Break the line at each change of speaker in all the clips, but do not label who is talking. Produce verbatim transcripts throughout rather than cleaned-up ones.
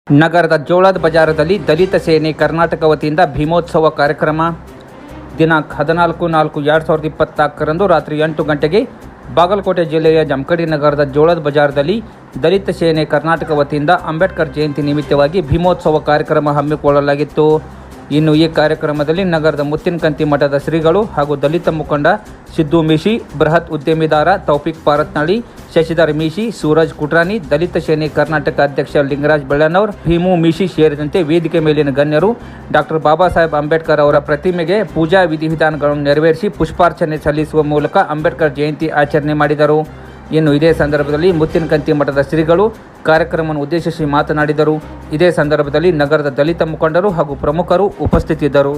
ನಗರದ ಜೋಳದ ಬಜಾರದಲ್ಲಿ ದಲಿತ ಸೇನೆ ಕರ್ನಾಟಕ ವತಿಯಿಂದ ಭೀಮೋತ್ಸವ ಕಾರ್ಯಕ್ರಮ ದಿನಾಂಕ ಹದಿನಾಲ್ಕು ನಾಲ್ಕು ಎರಡು ಸಾವಿರದ ಇಪ್ಪತ್ನಾಲ್ಕರಂದು ರಾತ್ರಿ ಎಂಟು ಗಂಟೆಗೆ ಬಾಗಲಕೋಟೆ ಜಿಲ್ಲೆಯ ಜಮಖಂಡಿ ನಗರದ ಜೋಳದ ಬಜಾರದಲ್ಲಿ ದಲಿತ ಸೇನೆ ಕರ್ನಾಟಕ ವತಿಯಿಂದ ಅಂಬೇಡ್ಕರ್ ಜಯಂತಿ ನಿಮಿತ್ತವಾಗಿ ಭೀಮೋತ್ಸವ ಕಾರ್ಯಕ್ರಮ ಹಮ್ಮಿಕೊಳ್ಳಲಾಗಿತ್ತು. ಇನ್ನು ಈ ಕಾರ್ಯಕ್ರಮದಲ್ಲಿ ನಗರದ ಮುತ್ತಿನಕಂತಿ ಮಠದ ಶ್ರೀಗಳು ಹಾಗೂ ದಲಿತ ಮುಖಂಡ ಸಿದ್ದು ಮೀಶಿ, ಬೃಹತ್ ಉದ್ಯಮಿದಾರ ತೌಫಿಕ್ ಪಾರತ್ನಳ್ಳಿ, ಶಶಿಧರ್ ಮೀಶಿ, ಸೂರಜ್ ಕುಟ್ರಾನಿ, ದಲಿತ ಸೇನೆ ಕರ್ನಾಟಕ ಅಧ್ಯಕ್ಷ ಲಿಂಗರಾಜ್ ಬೆಳ್ಳನವರ್, ಭೀಮು ಮೀಶಿ ಸೇರಿದಂತೆ ವೇದಿಕೆ ಮೇಲಿನ ಗಣ್ಯರು ಡಾಕ್ಟರ್ ಬಾಬಾ ಸಾಹೇಬ್ ಅಂಬೇಡ್ಕರ್ ಅವರ ಪ್ರತಿಮೆಗೆ ಪೂಜಾ ವಿಧಿವಿಧಾನಗಳನ್ನು ನೆರವೇರಿಸಿ ಪುಷ್ಪಾರ್ಚನೆ ಸಲ್ಲಿಸುವ ಮೂಲಕ ಅಂಬೇಡ್ಕರ್ ಜಯಂತಿ ಆಚರಣೆ ಮಾಡಿದರು. ಇನ್ನು ಇದೇ ಸಂದರ್ಭದಲ್ಲಿ ಮುತ್ತಿನಕಂತಿ ಮಠದ ಶ್ರೀಗಳು ಕಾರ್ಯಕ್ರಮವನ್ನು ಉದ್ದೇಶಿಸಿ ಮಾತನಾಡಿದರು. ಇದೇ ಸಂದರ್ಭದಲ್ಲಿ ನಗರದ ದಲಿತ ಮುಖಂಡರು ಹಾಗೂ ಪ್ರಮುಖರು ಉಪಸ್ಥಿತರಿದ್ದರು.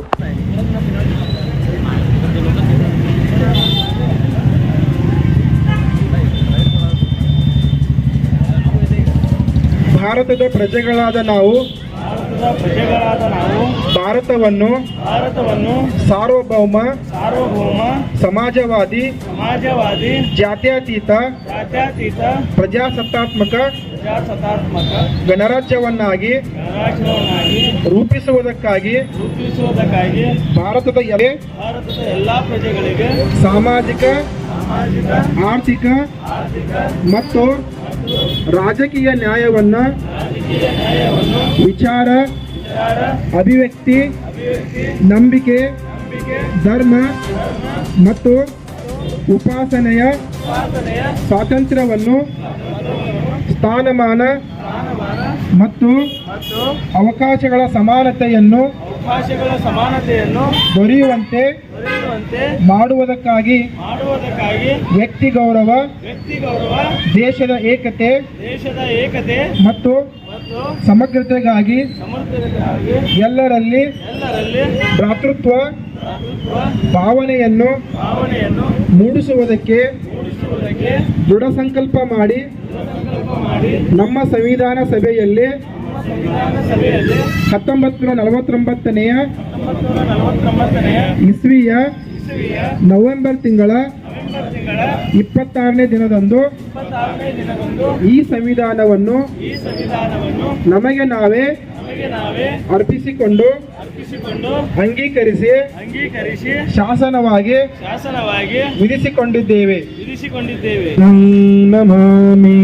ಭಾರತದ ಪ್ರಜೆಗಳಾದ ನಾವು
ಪ್ರಜೆಗಳಾದ ನಾವು
ಭಾರತವನ್ನು
ಭಾರತವನ್ನು
ಸಾರ್ವಭೌಮ
ಸಾರ್ವಭೌಮ
ಸಮಾಜವಾದಿ
ಸಮಾಜವಾದಿ
ಜಾತ್ಯತೀತ
ಜಾತ್ಯತೀತ
ಪ್ರಜಾಸತ್ತಾತ್ಮಕ
ಪ್ರಜಾಸತ್ತಾತ್ಮಕ
ಗಣರಾಜ್ಯವನ್ನಾಗಿ
ಗಣರಾಜ್ಯವನ್ನಾಗಿ
ರೂಪಿಸುವುದಕ್ಕಾಗಿ
ರೂಪಿಸುವುದಕ್ಕಾಗಿ
ಭಾರತದ ಎಲ್ಲ
ಭಾರತದ ಎಲ್ಲಾ ಪ್ರಜೆಗಳಿಗೆ
ಸಾಮಾಜಿಕ
ಸಾಮಾಜಿಕ
ಆರ್ಥಿಕ
ಆರ್ಥಿಕ
ಮತ್ತು ರಾಜಕೀಯ ನ್ಯಾಯವನ್ನು
ರಾಜಕೀಯ ನ್ಯಾಯವನ್ನು
ವಿಚಾರ
ವಿಚಾರ
ಅಭಿವ್ಯಕ್ತಿ
ಅಭಿವ್ಯಕ್ತಿ
ನಂಬಿಕೆ
ನಂಬಿಕೆ
ಧರ್ಮ ಮತ್ತು ಉಪಾಸನೆಯ
ಉಪಾಸನೆಯ
ಸ್ವಾತಂತ್ರ್ಯವನ್ನು ಸ್ಥಾನಮಾನ
ಸ್ಥಾನಮಾನ
ಮತ್ತು
ಮತ್ತು
ಅವಕಾಶಗಳ ಸಮಾನತೆಯನ್ನು
ಅವಕಾಶಗಳ ಸಮಾನತೆಯನ್ನು
ದೊರೆಯುವಂತೆ
ದೊರೆಯುವಂತೆ
ಮಾಡುವುದಕ್ಕಾಗಿ
ಮಾಡುವುದಕ್ಕಾಗಿ
ವ್ಯಕ್ತಿ ಗೌರವ,
ವ್ಯಕ್ತಿ ಗೌರವ,
ದೇಶದ ಏಕತೆ
ದೇಶದ ಏಕತೆ
ಮತ್ತು
ಮತ್ತು
ಸಮಗ್ರತೆಗಾಗಿ
ಸಮಗ್ರತೆಗಾಗಿ
ಎಲ್ಲರಲ್ಲಿ
ಎಲ್ಲರಲ್ಲಿ
ಭ್ರಾತೃತ್ವ
ಭ್ರಾತೃತ್ವ
ಭಾವನೆಯನ್ನು
ಭಾವನೆಯನ್ನು
ಮೂಡಿಸುವುದಕ್ಕೆ
ಮೂಡಿಸುವುದಕ್ಕೆ
ದೃಢ ಸಂಕಲ್ಪ ಮಾಡಿ
ಸಂಕಲ್ಪ ಮಾಡಿ
ನಮ್ಮ ಸಂವಿಧಾನ ಸಭೆಯಲ್ಲಿ
ಸಂವಿಧಾನ ಸಭೆಯಲ್ಲಿ
ಹತ್ತೊಂಬತ್ತು ನೂರ ನಲವತ್ತೊಂಬತ್ತನೆಯ
ಹತ್ತೊಂಬತ್ತು ನೂರ ನಲವತ್ತೊಂಬತ್ತನೆಯ
ಇಸ್ವಿಯ
ಇಸವಿಯ
ನವೆಂಬರ್ ತಿಂಗಳ
ನವೆಂಬರ್ ತಿಂಗಳ
ಇಪ್ಪತ್ತಾರನೇ ದಿನದಂದು
ಇಪ್ಪತ್ತಾರನೇ ದಿನದಂದು
ಈ ಸಂವಿಧಾನವನ್ನು
ಈ ಸಂವಿಧಾನವನ್ನು
ನಮಗೆ ನಾವೇ
ನಮಗೆ ನಾವೇ
ಅರ್ಪಿಸಿಕೊಂಡು
ಅರ್ಪಿಸಿಕೊಂಡು
ಅಂಗೀಕರಿಸಿ
ಅಂಗೀಕರಿಸಿ
ಶಾಸನವಾಗಿ
ಶಾಸನವಾಗಿ
ವಿಧಿಸಿಕೊಂಡಿದ್ದೇವೆ.
ವಿಧಿಸಿಕೊಂಡಿದ್ದೇವೆ.
ನಮಾಮಿ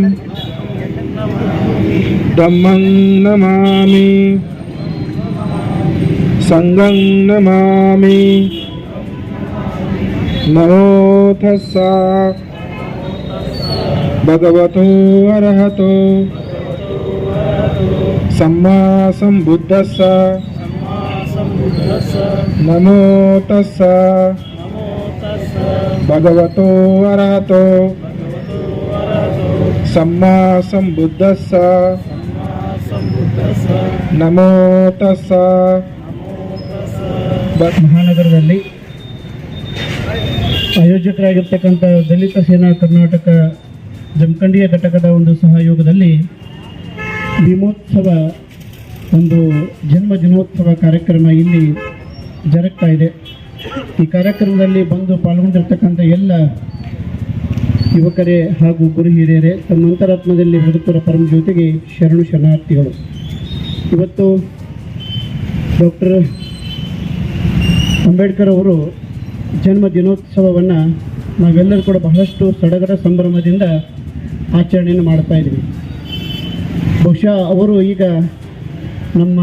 ಧಮ್ಮಂ ನಮಾಮಿ ಸಂಘಂ ನಮಾಮಿ ನಮೋ ತಸ್ಸ ಭಗವತೋ ಅರ್ಹತೋ ಸಮ್ಮಾ ಸಂಬುದ್ಧಸ್ಸ ನಮೋ ತಸ್ಸ ಭಗವತೋ ಅರ್ಹತೋ ಸಮ್ಮಾ ಸಂಬುದ್ಧಸ್ಸ ನಮೋ ತಸ್ಸ.
ಮಹಾನಗರದಲ್ಲಿ ಆಯೋಜಕರಾಗಿರ್ತಕ್ಕಂಥ ದಲಿತ ಸೇನಾ ಕರ್ನಾಟಕ ಜಮಖಂಡಿಯ ಘಟಕದ ಒಂದು ಸಹಯೋಗದಲ್ಲಿ ಭೀಮೋತ್ಸವ ಒಂದು ಜನ್ಮ ದಿನೋತ್ಸವ ಕಾರ್ಯಕ್ರಮ ಇಲ್ಲಿ ಜರುಗ್ತಾ ಇದೆ. ಈ ಕಾರ್ಯಕ್ರಮದಲ್ಲಿ ಬಂದು ಪಾಲ್ಗೊಂಡಿರ್ತಕ್ಕಂಥ ಎಲ್ಲ ಯುವಕರೇ ಹಾಗೂ ಗುರು ಹಿರಿಯರೇ, ತಮ್ಮ ಅಂತರಾತ್ಮದಲ್ಲಿ ಬದುಕುವ ಪರಮ ಜ್ಯೋತಿಗೆ ಶರಣು ಶರಣಾರ್ಥಿಗಳು. ಇವತ್ತು ಡಾಕ್ಟರ್ ಅಂಬೇಡ್ಕರ್ ಅವರು ಜನ್ಮ ದಿನೋತ್ಸವವನ್ನು ನಾವೆಲ್ಲರೂ ಕೂಡ ಬಹಳಷ್ಟು ಸಡಗರ ಸಂಭ್ರಮದಿಂದ ಆಚರಣೆಯನ್ನು ಮಾಡ್ತಾ ಇದ್ದೀವಿ. ಬಹುಶಃ ಅವರು ಈಗ ನಮ್ಮ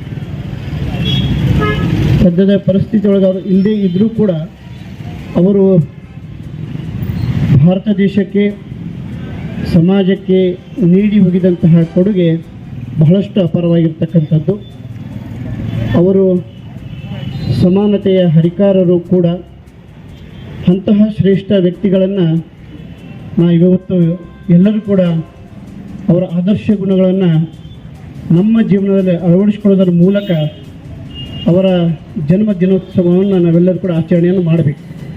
ಸದ್ಯದ ಪರಿಸ್ಥಿತಿ ಒಳಗೆ ಅವರು ಇಲ್ಲದೇ ಇದ್ದರೂ ಕೂಡ ಅವರು ಭಾರತ ದೇಶಕ್ಕೆ ಸಮಾಜಕ್ಕೆ ನೀಡಿ ಹೋಗಿದಂತಹ ಕೊಡುಗೆ ಬಹಳಷ್ಟು ಅಪಾರವಾಗಿರ್ತಕ್ಕಂಥದ್ದು. ಅವರು ಸಮಾನತೆಯ ಹರಿಕಾರರು ಕೂಡ. ಅಂತಹ ಶ್ರೇಷ್ಠ ವ್ಯಕ್ತಿಗಳನ್ನು ನಾವು ಇವತ್ತು ಎಲ್ಲರೂ ಕೂಡ ಅವರ ಆದರ್ಶ ಗುಣಗಳನ್ನು ನಮ್ಮ ಜೀವನದಲ್ಲಿ ಅಳವಡಿಸಿಕೊಳ್ಳೋದರ ಮೂಲಕ ಅವರ ಜನ್ಮ ದಿನೋತ್ಸವವನ್ನು ನಾವೆಲ್ಲರೂ ಕೂಡ ಆಚರಣೆಯನ್ನು ಮಾಡಬೇಕು.